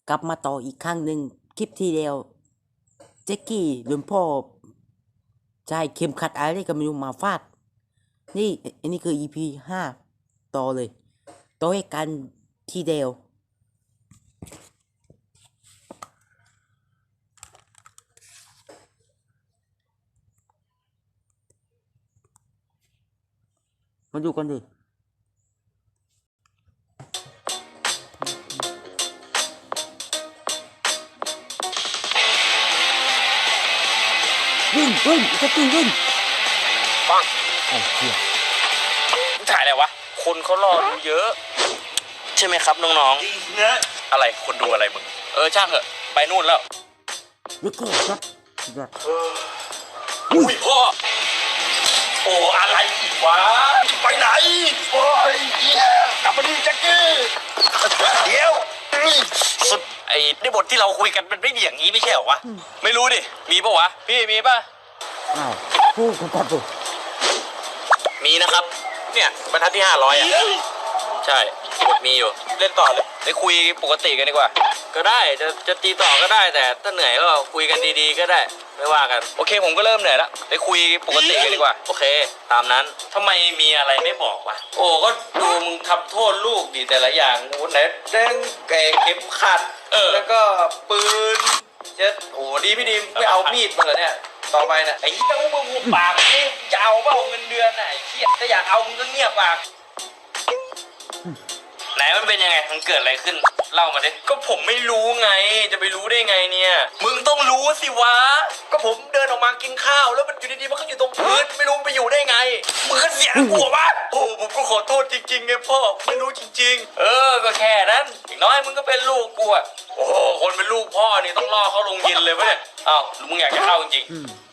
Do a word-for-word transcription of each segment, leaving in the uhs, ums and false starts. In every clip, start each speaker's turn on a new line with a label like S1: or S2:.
S1: กลับมาต่ออีกครั้งหนึ่งคลิปที่เดียวแจ็คกี้โดนพ่อใช้เข็มขัดอะไรก็ไม่รู้มาฟาดนี่อันนี้คือ อี พี ห้าต่อเลยต่อให้กันทีเดียวมาดูกันดิวิ่งวิ่งแจ็คกี้วิ่ง
S2: ปัง
S1: ไอ้เหี้ย
S2: มึงถ่ายอะไรวะคนเขารอดูเยอะใช่ไหมครับน้องๆอะไรคนดูอะไรมึงเออช่างเถอะไปนู่นแล้ว
S1: แจ็คกี้ครับ
S2: อุ้ยพ่อโอ้อะไรอีกวะไปไหนโอ้ยกลับมาดิแจ็คกี้เดี๋ยวสุดไอ้ในบทที่เราคุยกันมันไม่มีอย่างนี้ไม่ใช่เหรอวะไม่รู้ดิมีปะวะพี่มีปะ
S1: อ้าวพูดกันดิ
S2: มีนะครับเนี่ยบรรทัดที่ห้าร้อยอ่ะใช่บทมีอยู่เล่นต่อเลยได้คุยปกติกันดีกว่าก็ได้จะจะตีต่อก็ได้แต่ถ้าเหนื่อยก็คุยกันดีๆก็ได้ไม่ว่ากันโอเคผมก็เริ่มเหนื่อยแล้วได้คุยปกติกันดีกว่าโอเคตามนั้นทำไมมีอะไรไม่บอกวะโอ้ก็ดูมึงทำโทษลูกดิแต่ละอย่างไหนเด้งแกเข็มขัดเออแล้วก็ปืนเจ็ดโอ้ดีพี่ดีไม่เอามีดมาเหรอเนี่ยต่อไปนะไอ้เหี้ยมึงหุบปากนี่จะเอาเปล่าเงินเดือนไหนเหี้ยถ้าอยากเอามึงก็เงียบปากไหนมันเป็นยังไงมันเกิดอะไรขึ้นเล่ามาดิก็ผมไม่รู้ไงจะไปรู้ได้ไงเนี่ยมึงต้องรู้สิวะก็ผมเดินออกมากินข้าวแล้วมันอยู่ดีๆมันก็อยู่ตรงพื้นไม่รู้ไปอยู่ได้ไงมึงก็เสียหัววะโอ้ผมก็ขอโทษจริงๆไงพ่อไม่รู้จริงๆเออก็แค่นั้นอีกน้อยมึงก็เป็นลูกกูอ่ะโอ้คนเป็นลูกพ่อนี่ต้องล่อเขาลงเย็นเลยปะเนี่ยอ้าวมึงอยากจะเข้าจริง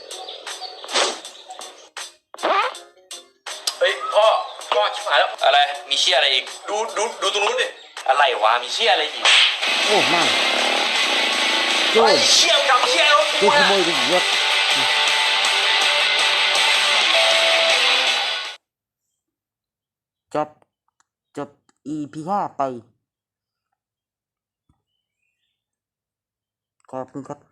S2: เฮ้ยพ่อพ่อชิบหายแล้วอะไรมีเชี่ยอะไรอีกดูดูดูตรงนู้นดิอะไรวะมีเชี่ยอะไรอีก
S1: โอ้ไม่โจ้
S2: เชี่ยกับเชี่ยรถ
S1: กูขโมยไปเยอะจบจบ อี พี ห้าไปขอบคุณครับ